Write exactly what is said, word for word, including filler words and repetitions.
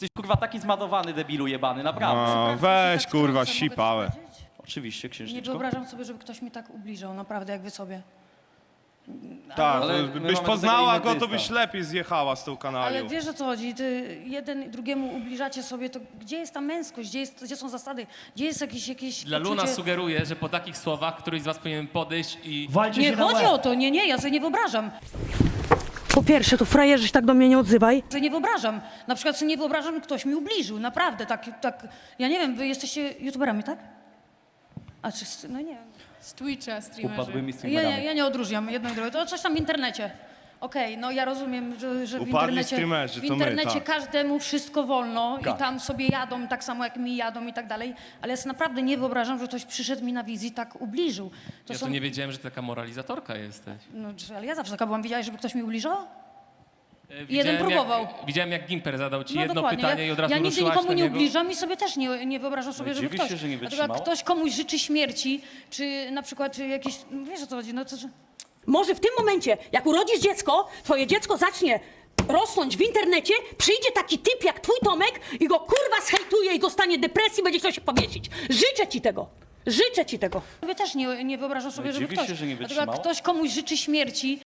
Jesteś kurwa taki zmadowany, debilu jebany, naprawdę. No, weź kurwa, sipałę. Oczywiście, Nie księżniczko. wyobrażam sobie, żeby ktoś mi tak ubliżał, naprawdę, jak wy sobie. Tak, Ale my byś mamy do poznała tego go, inny to byś dystans. lepiej zjechała z tą Ale kanalią. wiesz, o co chodzi, ty jeden drugiemu ubliżacie sobie, to gdzie jest ta męskość, gdzie, jest, gdzie są zasady, gdzie jest jakieś, jakieś Dla Luna poczucie... sugeruje, że po takich słowach któryś z was powinien podejść i... Walcie Nie się na chodzi łeb. o to, nie, nie, ja sobie nie wyobrażam. Po pierwsze, to frajerzy się tak do mnie nie odzywaj. Sobie nie wyobrażam. Na przykład sobie nie wyobrażam, że ktoś mi ubliżył, naprawdę, tak, tak. Ja nie wiem, wy jesteście youtuberami, tak? A czy, no nie wiem. Z Twitcha streamerzy. Upadłymi Ja, streamerami. nie, ja nie odróżniam jedno i drugie, to coś tam w internecie. Okej, no ja rozumiem, że, że w Upadli internecie, streamerzy, w to my, internecie tak. każdemu wszystko wolno Tak. i tam sobie jadą tak samo jak mi jadą i tak dalej, ale ja sobie naprawdę nie wyobrażam, że ktoś przyszedł mi na wizji i tak ubliżył. To Ja są... to nie wiedziałem, że ty taka moralizatorka jesteś. No, czy- ale ja zawsze taka byłam, widziałeś, żeby ktoś mi ubliżał? E, Jeden próbował. Jak, widziałem, jak Gimper zadał ci No jedno dokładnie. pytanie i od razu Ja nigdy ruszyłaś nikomu na nie niego. ubliżam i sobie też nie, nie wyobrażam sobie, No i żeby dziwisz ktoś... się, że nie Dlatego jak wytrzymał? ktoś komuś życzy śmierci, czy na przykład jakieś... No wiesz o co chodzi, no to... że- Może w tym momencie, jak urodzisz dziecko, twoje dziecko zacznie rosnąć w internecie, przyjdzie taki typ jak twój Tomek i go kurwa zhejtuje i dostanie depresji, będzie chciał się powiesić. Życzę ci tego. Życzę ci tego. Sobie też nie, nie wyobrażam sobie, No i żeby dziwisz ktoś... się, że nie Dlatego jak wytrzymał? ktoś komuś życzy śmierci,